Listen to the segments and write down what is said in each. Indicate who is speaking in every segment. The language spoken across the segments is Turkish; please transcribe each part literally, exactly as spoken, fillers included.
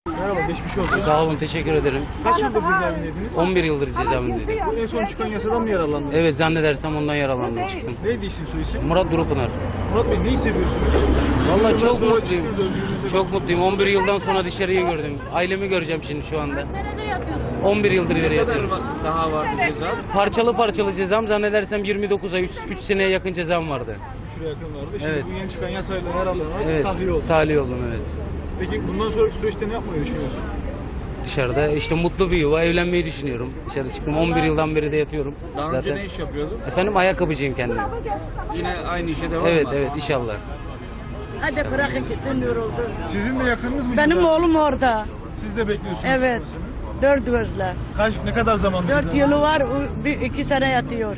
Speaker 1: Merhaba, geçmiş olsun.
Speaker 2: Sağ olun, teşekkür ederim.
Speaker 1: Kaç yıldır cezaevindeydiniz?
Speaker 2: on bir yıldır cezaevindeydim.
Speaker 1: Bu en son çıkan yasadan mı yaralandınız?
Speaker 2: Evet, zannedersem ondan yaralandım, çıktım.
Speaker 1: Neydi isim soy isim?
Speaker 2: Murat Durupınar.
Speaker 1: Murat Bey, neyi seviyorsunuz?
Speaker 2: Vallahi çok
Speaker 1: Sonra
Speaker 2: mutluyum.
Speaker 1: çıktınız, özgürlüğünüzde
Speaker 2: Çok mutluyum. on bir yıldan sonra dışarıyı gördüm. Ailemi göreceğim şimdi şu anda. on bir yıldır ileri yatıyorum.
Speaker 3: Daha vardı ceza.
Speaker 2: Parçalı parçalı cezam zannedersem yirmi dokuz ay, üç seneye yakın cezam vardı.
Speaker 1: Şuraya yakın vardı. Şimdi
Speaker 2: Evet.
Speaker 1: bu yeni çıkan yasayla yararlanarak
Speaker 2: Evet,
Speaker 1: tahliye oldu.
Speaker 2: tahliye oldum, evet.
Speaker 1: Peki bundan sonraki süreçte ne yapmayı düşünüyorsun?
Speaker 2: Dışarıda işte mutlu bir yuva, evlenmeyi düşünüyorum. Dışarı çıktım, on bir yıldan beri de yatıyorum.
Speaker 3: Daha önce
Speaker 2: Zaten.
Speaker 3: ne iş yapıyordun?
Speaker 2: Efendim, ayakkabıcıyım kendim.
Speaker 3: Yine aynı işe devam
Speaker 2: Evet,
Speaker 3: mı?
Speaker 2: evet, inşallah.
Speaker 4: Hadi bırakın gitsin yoruldu.
Speaker 1: Sizin de yakınınız mı?
Speaker 4: Benim
Speaker 1: ceza?
Speaker 4: oğlum orada.
Speaker 1: Siz de bekliyorsunuz.
Speaker 4: Evet.
Speaker 1: çıkmasını.
Speaker 4: Dört gözle.
Speaker 1: Kaç, ne kadar zaman?
Speaker 4: Dört yılı var, o bir, iki sene yatıyor.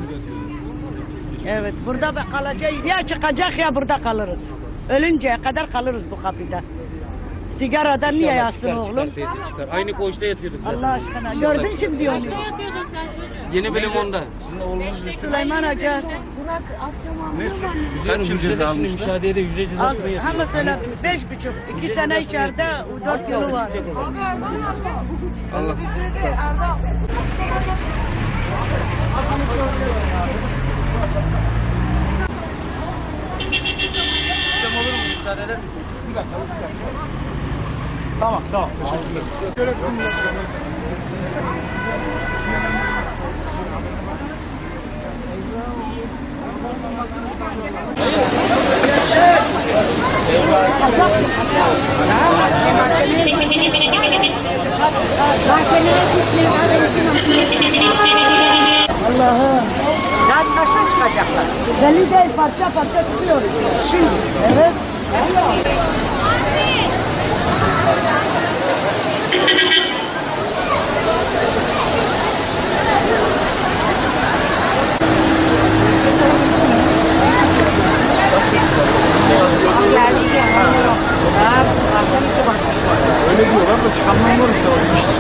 Speaker 4: Evet, burada be- kalacak. Ya çıkacak ya burada kalırız. Ölünceye kadar kalırız bu kapıda. Sigaradan niye
Speaker 2: İnşallah
Speaker 4: yatsın
Speaker 2: çıkar,
Speaker 4: oğlum?
Speaker 2: çıkar, teyze, çıkar. Aynı koğuşta yatıyorduk zaten.
Speaker 4: Allah aşkına.
Speaker 2: İnşallah
Speaker 4: Gördün
Speaker 2: çıkar.
Speaker 4: şimdi onu.
Speaker 2: Yeni bölüm onda.
Speaker 1: Sizin oğlunuz lise.
Speaker 4: Süleyman Hoca.
Speaker 3: Kaç yıl ceza
Speaker 2: Şimdi
Speaker 3: almışlar?
Speaker 2: müşahedeye yüzde
Speaker 4: Al,
Speaker 2: cezasını yatıyor.
Speaker 4: ha mesela beş buçuk. iki sene içeride, dört yılı var.
Speaker 3: Allah.
Speaker 1: Tamam, sağ ol. Teşekkürler.
Speaker 4: Allah'ım. Saat kaçta çıkacaklar? Belli değil, parça parça çıkıyoruz. Şimdi. Evet.
Speaker 1: Öyle diyorlar da çıkanlar var işte.